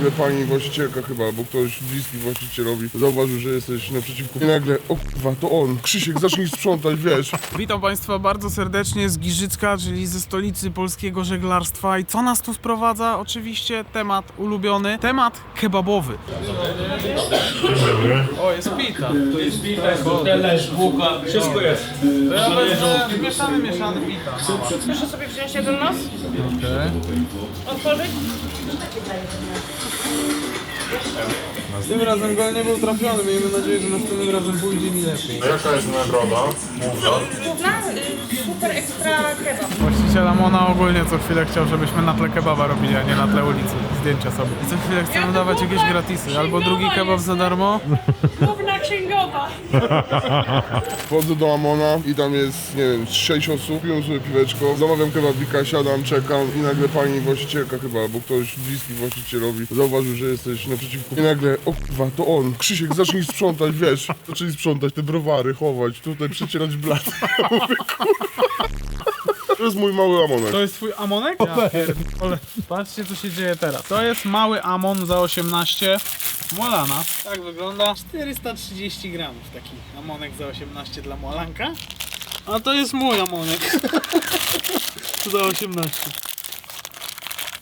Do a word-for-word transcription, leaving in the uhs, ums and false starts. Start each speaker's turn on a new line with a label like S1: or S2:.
S1: nagle pani właścicielka chyba, albo ktoś bliski właścicielowi zauważył, że jesteś naprzeciwko. I nagle, o kurwa, to on. Krzysiek, zacznij sprzątać, wiesz.
S2: Witam Państwa bardzo serdecznie z Giżycka, czyli ze stolicy polskiego żeglarstwa. I co nas tu sprowadza? Oczywiście temat ulubiony, temat kebabowy. O, jest pita.
S3: To jest pita, talerz, bułka, wszystko jest.
S2: To ja wezmę mieszany, mieszany pita.
S4: Proszę sobie wziąć jeden nos,
S2: Okej.
S4: otworzyć.
S2: Tym razem gol nie był trafiony, miejmy nadzieję, że następnym razem pójdzie mi lepiej.
S1: Jaka jest nagroda?
S4: Główna, y, super ekstra kebab.
S2: Właściciel Amona ogólnie co chwilę chciał, żebyśmy na tle kebaba robili, a nie na tle ulicy. Zdjęcia sobie. I co chwilę chcemy dawać jakieś gratisy. Albo drugi kebab za darmo.
S4: Główna księgowa.
S1: Wchodzę do Amona i tam jest, nie wiem, sześć osób, piją sobie piweczko, zamawiam kebabika, siadam, czekam i nagle pani właścicielka chyba, albo ktoś bliski właścicielowi zauważył, że jesteś naprzeciwko. I nagle, o kurwa, to on. Krzysiek, zacznij sprzątać, wiesz. Zaczęli sprzątać te browary, chować, tutaj przecierać blat. Ja mówię, kurwa. To jest mój mały Amonek.
S2: To jest twój Amonek? Ja pierdolę. Patrzcie co się dzieje teraz. To jest mały Amon za osiemnaście. Molana. Tak wygląda. czterysta trzydzieści gramów taki Amonek za osiemnaście dla Molanka. A to jest mój Amonek. za osiemnaście.